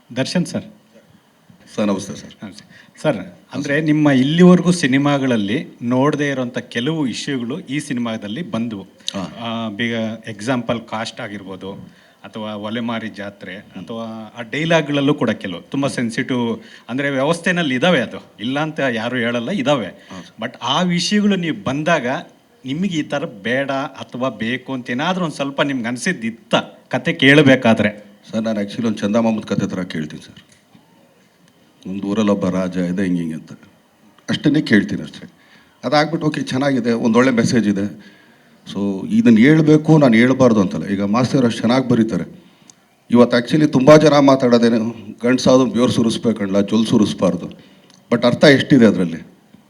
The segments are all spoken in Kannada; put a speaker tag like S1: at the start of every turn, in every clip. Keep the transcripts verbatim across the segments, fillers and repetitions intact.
S1: ದರ್ಶನ್ ಸರ್.
S2: ಸರ್ ನಮಸ್ತೆ ಸರ್.
S1: ಸರ್ ಅಂದರೆ ನಿಮ್ಮ ಇಲ್ಲಿವರೆಗೂ ಸಿನಿಮಾಗಳಲ್ಲಿ ನೋಡದೇ ಇರೋಂಥ ಕೆಲವು ಇಶ್ಯೂಗಳು ಈ ಸಿನಿಮಾದಲ್ಲಿ ಬಂದವು. ಬೇಗ ಎಕ್ಸಾಂಪಲ್ ಕಾಸ್ಟ್ ಆಗಿರ್ಬೋದು, ಅಥವಾ ಒಲೆಮಾರಿ ಜಾತ್ರೆ, ಅಥವಾ ಆ ಡೈಲಾಗ್ಗಳಲ್ಲೂ ಕೂಡ ಕೆಲವು ತುಂಬ ಸೆನ್ಸಿಟಿವ್ ಅಂದರೆ ವ್ಯವಸ್ಥೆನಲ್ಲಿ ಇದ್ದಾವೆ, ಅದು ಇಲ್ಲ ಅಂತ ಯಾರು ಹೇಳಲ್ಲ, ಇದ್ದಾವೆ. ಬಟ್ ಆ ವಿಷಯಗಳು ನೀವು ಬಂದಾಗ ನಿಮಗೆ ಈ ಥರ ಬೇಡ ಅಥವಾ ಬೇಕು ಅಂತ ಏನಾದರೂ ಒಂದು ಸ್ವಲ್ಪ ನಿಮ್ಗೆ ಅನಿಸಿದ್ದಿತ್ತ ಕತೆ ಕೇಳಬೇಕಾದ್ರೆ?
S2: ಸರ್ ನಾನು ಆ್ಯಕ್ಚುಲಿ ಒಂದು ಚಂದ ಮಾಮೂದ್ ಕತೆ ಥರ ಕೇಳ್ತೀನಿ ಸರ್. ಒಂದು ಊರಲ್ಲೊಬ್ಬ ರಾಜ ಇದೆ ಹಿಂಗೆ ಹಿಂಗೆ ಅಂತ ಅಷ್ಟನ್ನೇ ಕೇಳ್ತೀನಿ ಅಷ್ಟೇ. ಅದಾಗ್ಬಿಟ್ಟು ಓಕೆ ಚೆನ್ನಾಗಿದೆ, ಒಂದೊಳ್ಳೆ ಮೆಸೇಜ್ ಇದೆ, ಸೊ ಇದನ್ನು ಹೇಳ್ಬೇಕು, ನಾನು ಹೇಳ್ಬಾರ್ದು ಅಂತಲ್ಲ. ಈಗ ಮಾಸ್ತರ್ ಅಷ್ಟು ಚೆನ್ನಾಗಿ ಬರೀತಾರೆ. ಇವತ್ತು ಆ್ಯಕ್ಚುಲಿ ತುಂಬ ಜನ ಮಾತಾಡೋದೇನು ಗಂಡ್ಸಾದ್ರು ಬ್ಯೂರ್ ಸುರಿಸ್ಬೇಕಲ್ಲ, ಜೊಲ್ ಸುರಿಸ್ಬಾರ್ದು. ಬಟ್ ಅರ್ಥ ಎಷ್ಟಿದೆ ಅದರಲ್ಲಿ,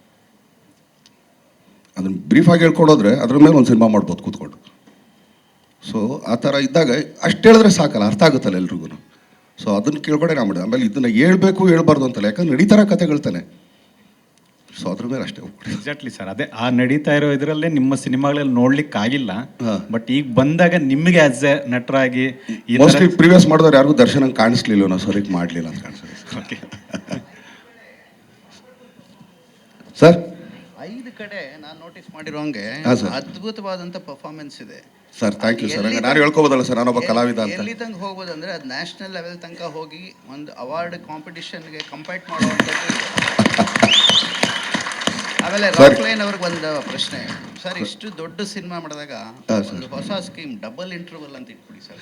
S2: ಅದನ್ನು ಬ್ರೀಫಾಗಿ ಹೇಳ್ಕೊಡೋದ್ರೆ ಅದ್ರ ಮೇಲೆ ಒಂದು ಸಿನಿಮಾ ಮಾಡ್ಬೋದು ಕೂತ್ಕೊಂಡು. ಸೊ ಆ ಥರ ಇದ್ದಾಗ ಅಷ್ಟು ಹೇಳಿದ್ರೆ ಸಾಕಲ್ಲ, ಅರ್ಥ ಆಗುತ್ತಲ್ಲ ಎಲ್ರಿಗೂ. ಸೊ ಅದನ್ನು ಕೇಳ್ಕೊಂಡೆ ನಾ ಮಾಡಿದೆ. ಆಮೇಲೆ ಇದನ್ನು ಹೇಳ್ಬೇಕು ಹೇಳ್ಬಾರ್ದು ಅಂತಲ್ಲ, ಯಾಕಂದ್ರೆ ನಡೀತಾರ ಕತೆಗಳ್ತಾನೆ. ಸೊ ಅದ್ರ ಮೇಲೆ ಅಷ್ಟೇ ಹೋಗ್ಬಿಡಿ.
S1: ಎಕ್ಸಾಕ್ಟ್ಲಿ ಸರ್, ಅದೇ ಆ ನಡೀತಾ ಇರೋ ಇದರಲ್ಲೇ ನಿಮ್ಮ ಸಿನಿಮಾಗಳಲ್ಲಿ ನೋಡ್ಲಿಕ್ಕೆ ಆಗಿಲ್ಲ. ಬಟ್ ಈಗ ಬಂದಾಗ ನಿಮಗೆ ಆಸ್ ಎ ನಟರಾಗಿ
S2: ಮೋಸ್ಟ್ಲಿ ಪ್ರಿವಿಯಸ್ ಮಾಡಿದವ್ರು ಯಾರಿಗೂ ದರ್ಶನ ಕಾಣಿಸ್ಲಿಲ್ಲ, ನಾವು ಸರಿಗೆ ಮಾಡಲಿಲ್ಲ ಅಂತ ಕಾಣಿಸ್ತದೆ.
S1: ಓಕೆ
S2: ಸರ್,
S3: ಐದು ಕಡೆ ನಾನು ನೋಟಿಸ್ ಮಾಡಿರೋಂಗೆ ಅದ್ಭುತವಾದಂಥ ಪರ್ಫಾರ್ಮೆನ್ಸ್ ಇದೆ
S2: ಸರ್. Thank you sir. ನಾನು ಹೇಳ್ಕೋಬೋದಲ್ಲ ಸರ್, ನಾನೊಬ್ಬ ಕಲಾವಿದ ಅಂತ.
S3: ಎಲ್ಲಿ ತನಕ ಹೋಗ್ಬೋದು ಅಂದರೆ ಅದು ನ್ಯಾಷನಲ್ ಲೆವೆಲ್ ತನಕ ಹೋಗಿ ಒಂದು ಅವಾರ್ಡ್ ಕಾಂಪಿಟಿಷನ್ಗೆ ಕಂಪೈಟ್ ಮಾಡುವಂಥದ್ದು. ಆಮೇಲೆ ರಾಕ್ಲೈನ್ ಅವ್ರಿಗೆ ಒಂದು ಪ್ರಶ್ನೆ ಸರ್, ಇಷ್ಟು ದೊಡ್ಡ ಸಿನಿಮಾ ಮಾಡಿದಾಗ ಒಂದು ಹೊಸ ಸ್ಕೀಮ್ ಡಬಲ್ ಇಂಟರ್ವಲ್ ಅಂತ ಇಟ್ಬಿಡಿ ಸರ್.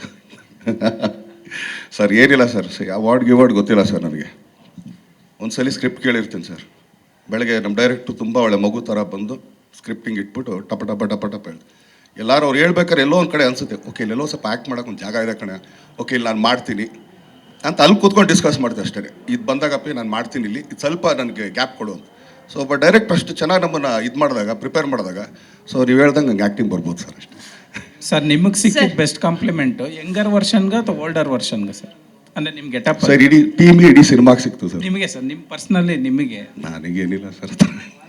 S2: ಸರ್ ಏನಿಲ್ಲ ಸರ್, ಅವಾರ್ಡ್ ಗಿವಾರ್ಡ್ ಗೊತ್ತಿಲ್ಲ ಸರ್ ನನಗೆ. ಒಂದ್ಸಲಿ ಸ್ಕ್ರಿಪ್ಟ್ ಕೇಳಿರ್ತೀನಿ ಸರ್. ಬೆಳಗ್ಗೆ ನಮ್ಮ ಡೈರೆಕ್ಟ್ರು ತುಂಬ ಒಳ್ಳೆ ಮಗು ಥರ ಬಂದು ಸ್ಕ್ರಿಪ್ಟಿಂಗ್ ಇಟ್ಬಿಟ್ಟು ಟಪ ಟಪ ಟಪ ಟಪ ಹೇಳಿ ಎಲ್ಲರೂ ಅವ್ರು ಹೇಳ್ಬೇಕಾದ್ರೆ ಎಲ್ಲೋ ಒಂದು ಕಡೆ ಅನಿಸುತ್ತೆ, ಓಕೆ ಇಲ್ಲೆಲ್ಲೋ ಸ್ವಲ್ಪ ಆ್ಯಕ್ಟ್ ಮಾಡೋಕೆ ಒಂದು ಜಾಗ ಇದೆ ಕಣೆ, ಓಕೆ ಇಲ್ಲಿ ನಾನು ಮಾಡ್ತೀನಿ ಅಂತ ಅಲ್ಲಿ ಕೂತ್ಕೊಂಡು ಡಿಸ್ಕಸ್ ಮಾಡ್ತೀವಿ ಅಷ್ಟೇ. ಇದು ಬಂದಾಗಪ್ಪಿ ನಾನು ಮಾಡ್ತೀನಿ, ಇಲ್ಲಿ ಇದು ಸ್ವಲ್ಪ ನನಗೆ ಗ್ಯಾಪ್ ಕೊಡು ಅಂತ. ಸೊ ಬಟ್ ಡೈರೆಕ್ಟ್ ಅಷ್ಟು ಚೆನ್ನಾಗಿ ನಮ್ಮನ್ನು ಇದು ಮಾಡಿದಾಗ, ಪ್ರಿಪೇರ್ ಮಾಡಿದಾಗ, ಸೊ ನೀವು ಹೇಳ್ದಂಗೆ ನಂಗೆ ಆ್ಯಕ್ಟಿಂಗ್ ಬರ್ಬೋದು ಸರ್ ಅಷ್ಟೇ.
S4: ಸರ್ ನಿಮಗೆ ಸಿಕ್ಕಿದ ಬೆಸ್ಟ್ ಕಾಂಪ್ಲಿಮೆಂಟು ಯಂಗರ್ ವರ್ಷನ್ಗೆ ಅಥವಾ ಓಲ್ಡರ್ ವರ್ಷನ್ಗೆ ಸರ್? ಅಂದರೆ ನಿಮ್ಮ ಗೆಟಪ್
S2: ಸರ್ ಇಡೀ ಟೀಮ್ಗೆ ಇಡೀ ಸಿನಿಮಾಗೆ ಸಿಕ್ತು ಸರ್.
S4: ನಿಮಗೆ ಸರ್, ನಿಮ್ಮ ಪರ್ಸ್ನಲಿ ನಿಮಗೆ?
S2: ನನಗೇನಿಲ್ಲ ಸರ್.